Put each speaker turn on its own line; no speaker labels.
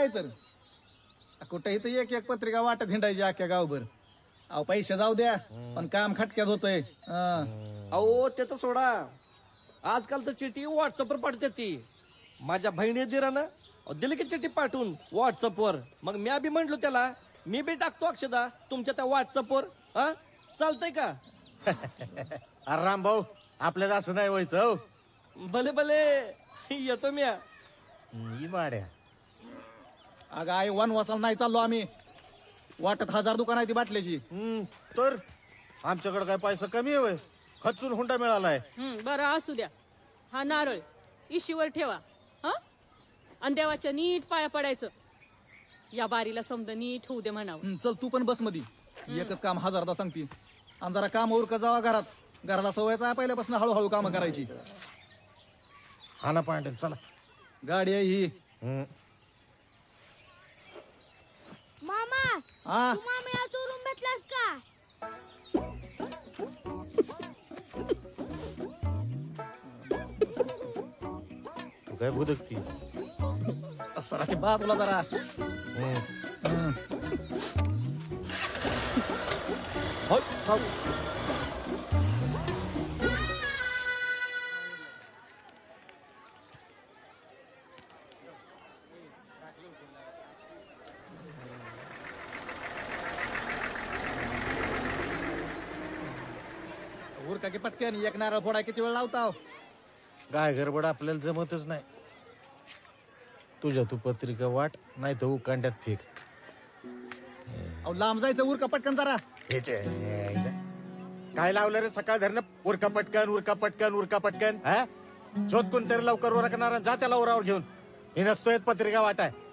काय तर कुठेही तर एक एक पत्रिका वाटत हिंडायची अख्ख्या गावभर. अहो पैसे जाऊ द्या पण काम खटक्यात होतंय.
अहो ते तर सोडा, आजकाल तर चिठ्ठी व्हॉट्सअपवर पाठवते ती. माझ्या बहिणी दिरानं दिली की चिठ्ठी पाठवून व्हॉट्सअपवर. मग मी बी म्हंटलो त्याला, मी बी टाकतो अक्षदा तुमच्या त्या व्हॉट्सअपवर. हा चालतंय का?
अरे राम भाऊ, आपल्याला असं नाही व्हायचं हो.
भले भले येतो मी.
ही माड्या
अगं आई वनवासाला नाही चाललो आम्ही. वाटत 1000 दुकान आहे ती बाटल्याची.
तर आमच्याकडे काय पैसा कमी आहे? खचून हुंडा मिळालाय.
बरं असू द्या. हा नारळ इशीवर ठेवा. हा आणि देवाच्या नीट पाया पडायचं. या बारीला समज नीट होऊ दे म्हणावं.
चल तू पण बस मध्ये. एकच काम 1000दा सांगते. आणि जरा काम उरका जावा घरात. घराला सवयच आहे पहिल्यापासून हळूहळू काम करायची.
हा ना पांढरे, चला.
गाडी आहे ही.
मामा
हा
तू मामीला चोरून भेटलास का?
तू काय भुदकती?
सरा ते बा तुला जरा. उरका की पटकन. एक नारळ फोडा किती वेळ लावताव?
काय गडबड आपल्याला जमतच नाही. तुझ्या तू पत्रिका वाट, नाही तर उकांड्यात फेक.
अहो लांब जायचं. उरका पटकन जरा.
काय लावलं रे सकाळ धरणं? उरका पटकन, उरका पटकन, उरका पटकन. हा शोध कोणतरी लवकर उरकणार. जा त्याला उरावर घेऊन. हे नसतोय पत्रिका वाटाय.